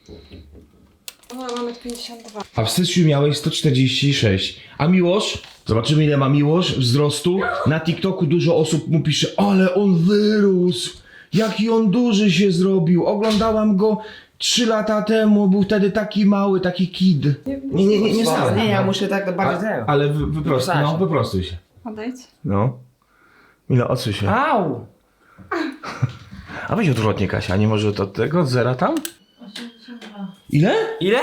No, mamy 52. A w styczniu miałeś 146. A Miłosz? Zobaczymy ile ma Miłosz wzrostu. Na TikToku dużo osób mu pisze, ale on wyrósł. Jaki on duży się zrobił. Oglądałam go 3 lata temu. Był wtedy taki mały, taki kid. Nie stałem. Nie, ja muszę tak bardziej tego. Ale wyprostuj się. Odejdź. No. Milo, odsuń się. Au! A weź odwrotnie, Kasia, nie może od tego, od zera tam? 82. Ile? Ile?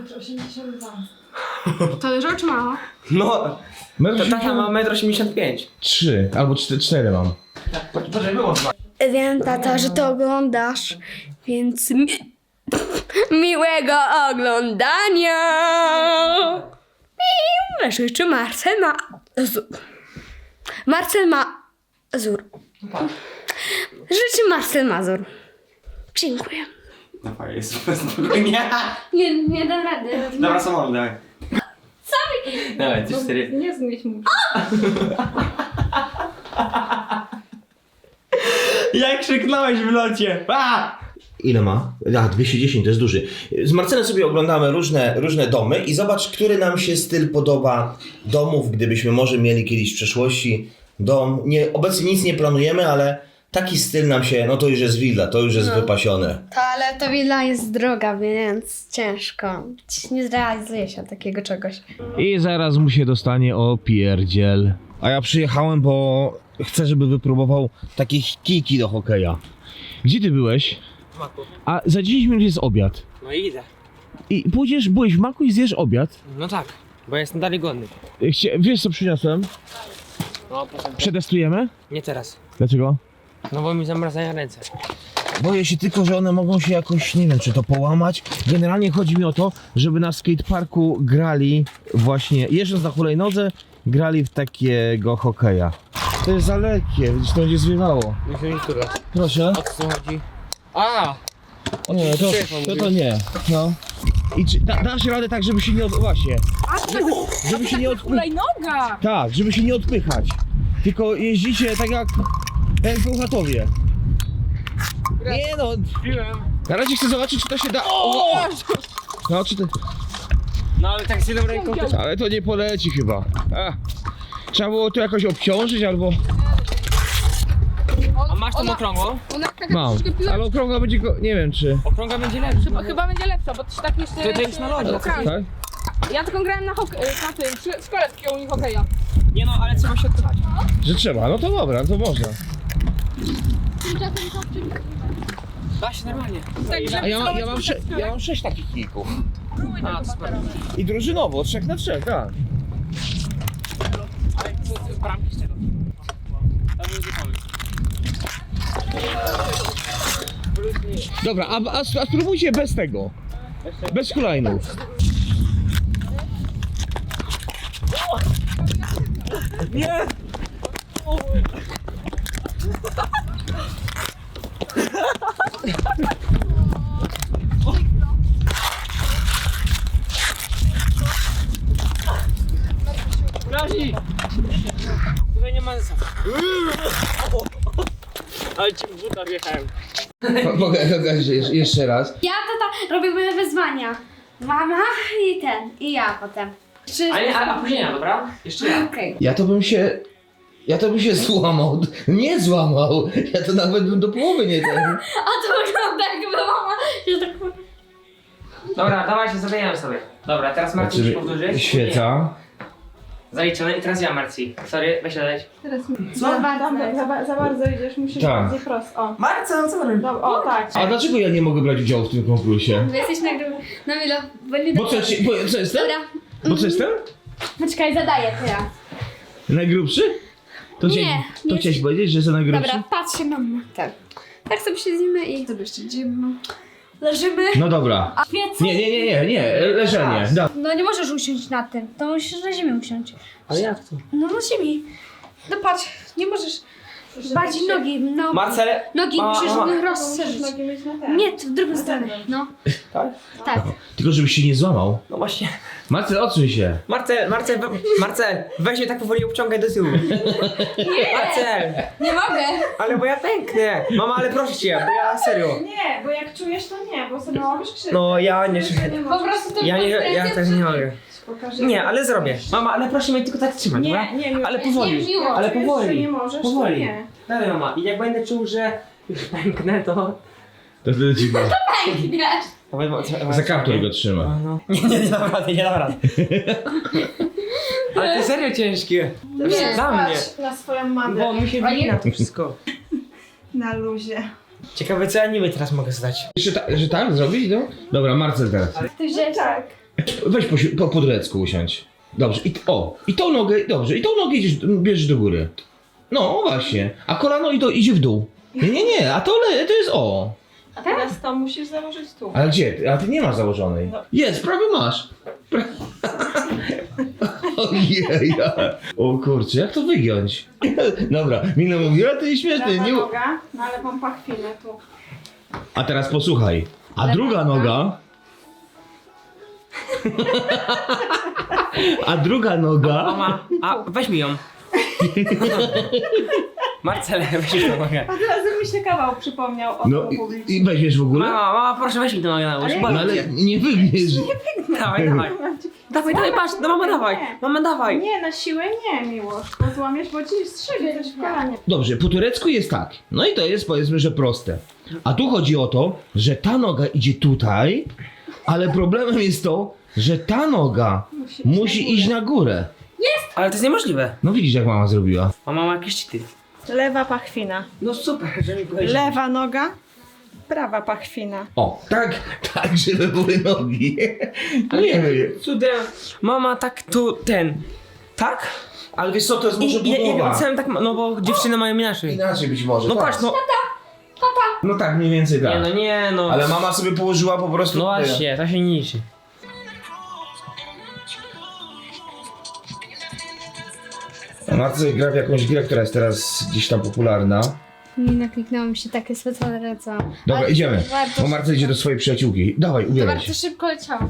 82. To dużo czy mało? No, to taka ma 1,85 m. 3 albo 4 mam. Poczekaj, wyłącz. Wiem, tato, że to oglądasz, więc miłego oglądania. I życzy Marcel Mazur. Marcel Mazur. Życzy Marcel Mazur. Dziękuję. No jest spokojnie. Nie dam rady. Dobra, samolot, dawaj. Sorry. Dawaj, 3-4. Nie zmyć mu. Jak krzyknąłeś w locie? A! Ile ma? 210, to jest duży. Z Marcelem sobie oglądamy różne domy i zobacz, który nam się styl podoba domów, gdybyśmy może mieli kiedyś w przeszłości dom. Obecnie nic nie planujemy, ale taki styl nam się, no to już jest willa, to już jest wypasione. Ale ta willa jest droga, więc ciężko. Nie zrealizuje się takiego czegoś. I zaraz mu się dostanie opierdziel. A ja przyjechałem, bo chcę, żeby wypróbował takie kijki do hokeja. Gdzie ty byłeś? W maku. A za 10 minut jest obiad. No i idę. I byłeś w maku i zjesz obiad. No tak, bo jestem dalej głodny. Wiesz co przyniosłem? No, potem. Przetestujemy? Nie teraz. Dlaczego? No bo mi zamrazają ręce. Boję się tylko, że one mogą się jakoś, nie wiem, czy to połamać. Generalnie chodzi mi o to, żeby na skateparku grali właśnie, jeżdżąc na hulajnodze, grali w takiego hokeja. To jest za lekkie, widzisz, to będzie zwiewało. Nie chcę nic turlać. Proszę. O co chodzi? A! Nie, to nie. No. I czy dasz radę tak, żeby się nie właśnie. Żeby się nie odpychać. Hulajnoga! Tak, żeby się nie odpychać. Tylko jeździcie tak jak Bełchatowie. Nie no. Na razie chcę zobaczyć, czy to się da. O! No, czy to... No ale tak z jedną ręką też. Ale to nie poleci chyba. Trzeba było to jakoś obciążyć albo... A masz tą okrągłą? Ona taka Mam. troszkę piła. Ale okrągła będzie go... nie wiem czy... Okrągła będzie lepsza. Chyba będzie lepsza, bo to się tak jeszcze... To jest na lodzie. Tak. Tak? Ja tylko grałem na tym, w szkole takiego u hokeja. Nie no, ale trzeba się odpychać. Że trzeba, no to dobra, to można. Da się normalnie. Także A ja mam 6 takich kijków. A, to super. I drużynowo, 3 na 3, tak. Ale co, bramki z czego? To był zupełnie. Dobra, a spróbujcie bez tego. Bez hulajnów. Nie! Grazi! Tutaj nie ma sensu. Ale ci w buta wjechałem. Mogę jeszcze raz. Ja tata robimy wyzwania. Mama i ja potem. A później ja, dobra? Jeszcze ja. Okej. Ja to bym się złamał. Nie złamał. Ja to nawet bym do połowy nie ten. A to wygląda jakby mama się tak... Dobra, dawajcie, zabijamy sobie. Dobra, teraz Marcin musi powtórzyć. Świeca. Zaliczone i teraz ja, Marci. Sorry, weź leć. Teraz mi... Za bardzo. Za bardzo idziesz, musisz Tak. bardziej prosto. O. Marcel, co robisz? Dobra, o tak. A dlaczego ja nie mogę brać udziału w tym konkursie? Wy jesteś na Milo. Bo co jestem? Dobra. Bo co jestem? Poczekaj, zadaję teraz. Najgrubszy? To Nie. chciałeś powiedzieć, że jestem najgrubszy? Dobra, patrz się mama. Tak. Tak sobie siedzimy i sobie siedzimy. Leżymy. No dobra. A wiece? Nie, leżenie. Da. No nie możesz usiąść na tym. To musisz na ziemi usiąść. Ale jak to? No na ziemi. No patrz, nie możesz. Bardziej nogi, no. Marcel! Nogi musisz rozszerzyć. Nogi mieć na ten. Nie, w drugą stronę. No. Tak? Tak. Tylko żebyś się nie złamał. No właśnie. Marcel, odsuń się. Marcel, weź mnie tak powoli obciągaj do tyłu. Marcel! Nie mogę. Ale bo ja pęknę. Mama, ale proszę cię, bo ja serio. Nie, bo jak czujesz, to nie, bo sobie robisz krzywdę. No ja nie czuję. Po prostu to Ja też nie mogę. Pokażę. Nie, ale zrobię. Mama, ale proszę mnie tylko tak trzymać, dobra? Nie, Ale powoli, miło. ale Czujesz, powoli. że nie możesz, to Powoli. nie. Dawaj mama, i jak będę czuł, że już pęknę, to... To wtedy ci go. Za kaptur go trzyma. No. Nie dam rady, nie dam rady. Ale to serio ciężkie. Nie, Dla mnie. patrz na swoją mamę. Bo mi się wina to wszystko. Na luzie. Ciekawe co ja niby teraz mogę zdać. Że tak zrobić, no? Dobra, Marcel teraz. Ty wziąłeś tak. Weź po podrecku usiądź. Dobrze, i tą nogę, dobrze, i tą nogę bierzesz do góry. No właśnie, a kolano idzie w dół. Nie, a to jest o. A teraz to musisz założyć tu. Ale gdzie? A ty nie masz założonej. Jest, prawie masz. Ojej. O kurczę, jak to wygiąć? Dobra, Mila mówi, a ty śmieszny. Prawa Nie... noga, no ale mam pachwinę tu. A teraz posłuchaj. A druga noga... A druga noga... Mama, a weź mi ją. Marcele, weź mi tą nogę. A teraz mi się kawał przypomniał o No tym publicznie. i weźmiesz w ogóle? Mama, proszę weź mi tą nogę na łóż. No ale nie wygniesz. Dawaj. Dawaj, patrz, no mama dawaj. Nie, na siłę nie, Miłosz. Bo złamiesz, bo ci strzeli też w kolanie. Dobrze, po turecku jest tak. No i to jest powiedzmy, że proste. A tu chodzi o to, że ta noga idzie tutaj, ale problemem jest to, że ta noga musi iść na górę. Ale to jest niemożliwe. No widzisz, jak mama zrobiła. Mama ma jakieś cheaty. Lewa pachwina. No super, że mi powiedział. Lewa noga, prawa pachwina. O, tak, żeby były nogi. Nie wiem. Cudem. Mama tak tu tak? Ale wiesz co, to jest może Ja budowa. opisałem tak, no bo dziewczyny mają inaczej. Inaczej być może. No tak. patrz, no. No tak, mniej więcej tak. Nie no. Ale mama sobie położyła po prostu... No właśnie, to się nie liczy. Marcel gra w jakąś grę, która jest teraz gdzieś tam popularna. Nie nakliknęło mi się takie specjalne co. Dobra, idziemy. Bo Marcel idzie do swojej przyjaciółki. Dawaj, To ubieraj bardzo się. szybko leciało.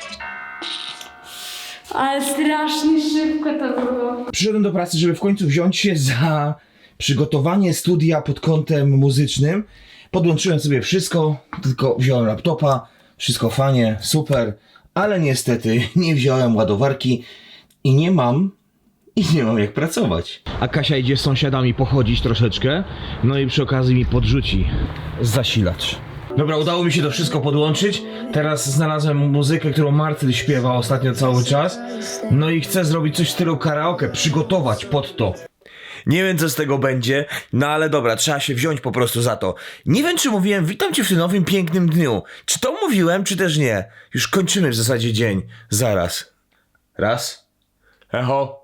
Ale strasznie szybko to było. Przyszedłem do pracy, żeby w końcu wziąć się za przygotowanie studia pod kątem muzycznym. Podłączyłem sobie wszystko, tylko wziąłem laptopa, wszystko fajnie, super, ale niestety nie wziąłem ładowarki i nie mam jak pracować. A Kasia idzie z sąsiadami pochodzić troszeczkę, no i przy okazji mi podrzuci zasilacz. Dobra, udało mi się to wszystko podłączyć. Teraz znalazłem muzykę, którą Marcel śpiewa ostatnio cały czas. No i chcę zrobić coś w stylu karaoke, przygotować pod to. Nie wiem co z tego będzie, no ale dobra, trzeba się wziąć po prostu za to. Nie wiem czy mówiłem, witam cię w tym nowym pięknym dniu. Czy to mówiłem, czy też nie? Już kończymy w zasadzie dzień. Zaraz. Raz. Echo.